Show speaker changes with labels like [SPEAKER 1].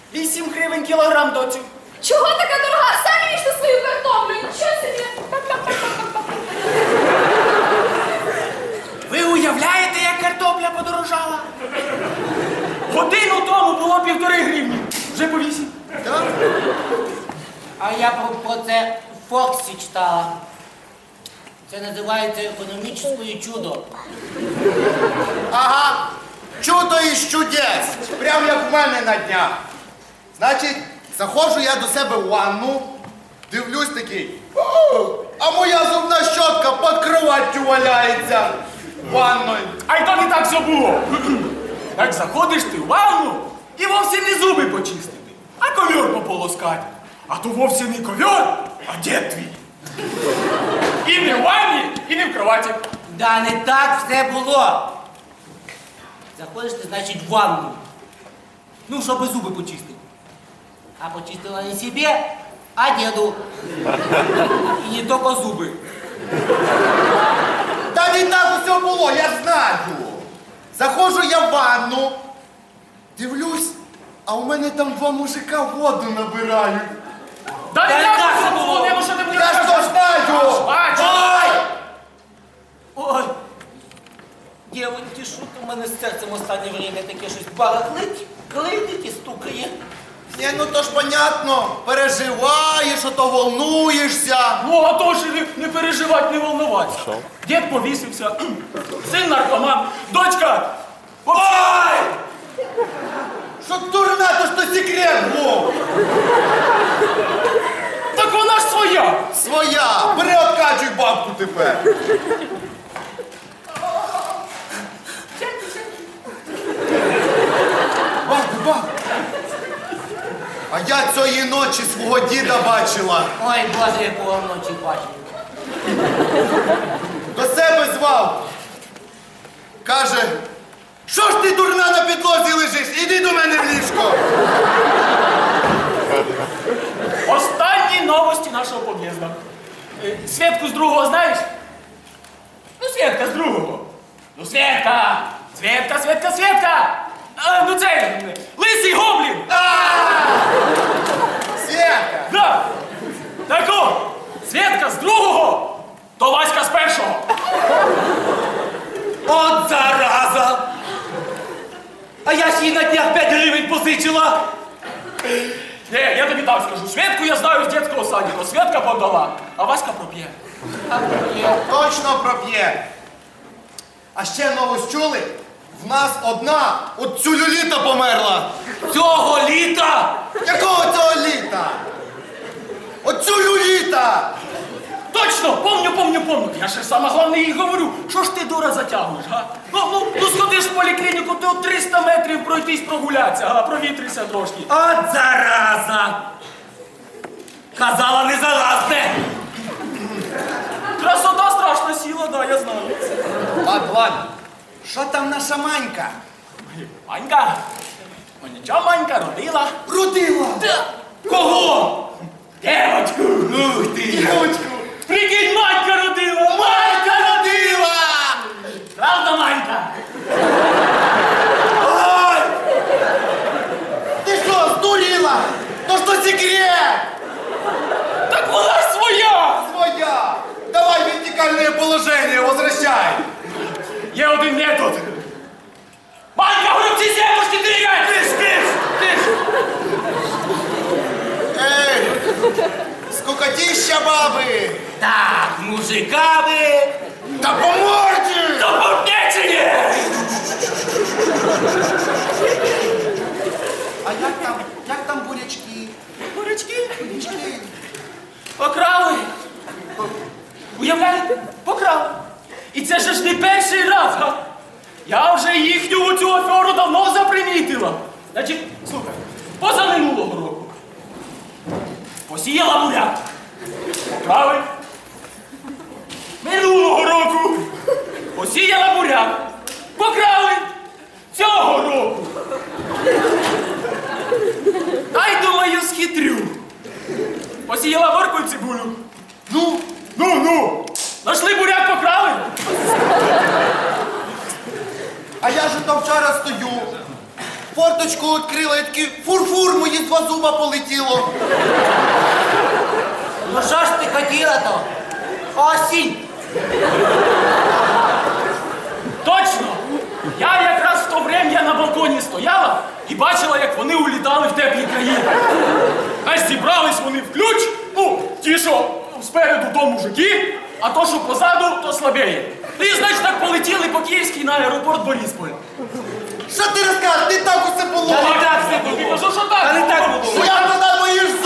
[SPEAKER 1] 8 гривень кілограм, доцю.
[SPEAKER 2] Чого така дорога? Самі їжте свою картоплю. Нічого собі.
[SPEAKER 1] Ви уявляєте, як картопля подорожала? Годину тому було 1,5 гривні. Вже по 8.
[SPEAKER 3] Так?
[SPEAKER 4] А я про це в Фоксі читала. Це називається економічне чудо.
[SPEAKER 3] Ага. Чудо із чудес. Прям як в мене на днях. Значить, заходжу я до себе в ванну, дивлюсь такий. А моя зубна щотка під кроваттю валяється. Ванною.
[SPEAKER 1] А й то не так все було. Так заходиш ти в ванну і вовсе не зуби почистити, а ковер пополоскати. А то вовсе не ковер, а дід твій. І не в ванні, і не в кроваті.
[SPEAKER 4] Да не так все було. Заходиш ти, значить, в ванну. Ну, щоб зуби почистити. А почистила не себе, а деду. І не тільки зуби.
[SPEAKER 3] Та не так усе було, я знаю. Заходжу я в ванну, дивлюсь, а у мене там 2 мужика воду набирають.
[SPEAKER 1] Да не
[SPEAKER 4] Та
[SPEAKER 1] так
[SPEAKER 4] так
[SPEAKER 1] все
[SPEAKER 4] було.
[SPEAKER 1] було, не що ти будеш
[SPEAKER 3] Я ж то знаю!
[SPEAKER 1] бачу.
[SPEAKER 3] Ой!
[SPEAKER 4] Ой! Дівоньки, що то в мене з серцем останнє время таке щось барахлить, клинить і стукає.
[SPEAKER 3] Ні, ну то ж понятно, переживаєш, ото волнуєшся.
[SPEAKER 1] Ну, а то ж не переживати, не волнуватися. Дід повісився, син наркоман, дочка. Ой!
[SPEAKER 3] Що дурна, то ж то секрет був.
[SPEAKER 1] Так вона ж своя.
[SPEAKER 3] Своя, переоткачуй бабку тепер. Бабку. А я цієї ночі свого діда бачила.
[SPEAKER 4] Ой, Боже, якого вночі бачив.
[SPEAKER 3] До себе звав. Каже, що ж ти, дурна, на підлозі лежиш? Іди до мене в ліжко.
[SPEAKER 1] Останні новості нашого під'їзду. Свєтку з другого знаєш? Ну, Свєтка з другого. Ну, Свєтка! Свєтка! Ну, це лисий гоблін!
[SPEAKER 3] Свєтка.
[SPEAKER 1] Да! Так о, Свєтка з другого, то Васька з першого.
[SPEAKER 4] От зараза! А я ж їй на днях 5 гривень позичила.
[SPEAKER 1] Не, я тобі так скажу. Свєтку я знаю з дитячого садика. Свєтка подала, а Васька проп'є.
[SPEAKER 3] Точно проп'є. А ще новость чули? В нас одна от целюліта померла.
[SPEAKER 4] Цього літа!
[SPEAKER 3] Якого цього літа? От целюліта!
[SPEAKER 1] Точно, помню. Я ще саме головне їй говорю. Що ж ти, дура, затягнеш, га? Ну сходиш в поліклініку, ти от 300 метрів пройтись прогулятися, га? Провітрися трошки.
[SPEAKER 4] От зараза! Казала, не заразне!
[SPEAKER 1] Красота страшна сіла, да, я знаю.
[SPEAKER 3] Ладно. Що там наша Манька?
[SPEAKER 1] Манька. Ну нічого, Манька родила.
[SPEAKER 3] Родила!
[SPEAKER 1] Кого? Девочку.
[SPEAKER 3] Ух ти! Дівочку!
[SPEAKER 1] Прикинь, Манька родила. Манька родила. Правда, Манька?
[SPEAKER 3] Ой! Ти що, здуріла? То ж то секрет!
[SPEAKER 1] Так вона ж своя.
[SPEAKER 3] Своя! Давай вертикальное положение, возвращай!
[SPEAKER 1] Є один метод. Манька, гробці земушки двигай! Тиш!
[SPEAKER 3] Эй! Скукотища бабы!
[SPEAKER 4] Так, мужиками!
[SPEAKER 3] Да по морде!
[SPEAKER 1] До побнечення!
[SPEAKER 3] А як там бурячки?
[SPEAKER 1] Бурячки?
[SPEAKER 3] Бурячки?
[SPEAKER 1] Покрали. Уявляєте? Покрали. І це ж не перший раз, га? Я вже їхню цю аферу давно запримітила. Значить, слухай, позаминулого року посіяла буряк. Покрали. Минулого року посіяла буряк. Покрали. Цього року. Ай, думаю, схитрю. Посіяла моркву і цибулю. Ну. Нашли буряк, покрали.
[SPEAKER 3] А я же там вчора стою, форточку відкрила, і такий фур-фур, мої 2 зуба полетіло.
[SPEAKER 4] Ну що ж ти хотіла-то? Осінь!
[SPEAKER 1] Точно! Я якраз в то врем'я на балконі стояла і бачила, як вони улітали в теплі країни. Аж зібрались вони в ключ, ну, ті, що спереду то мужики, а то, що позаду, то слабеє. І, значить, так полетіли по Київській на аеропорт Борисполь.
[SPEAKER 3] Що ти розкажеш? Не так усе було.
[SPEAKER 4] Та не так все
[SPEAKER 1] Я
[SPEAKER 4] було.
[SPEAKER 1] кажу, що так.
[SPEAKER 4] Та не так було.
[SPEAKER 3] Я туди мої ж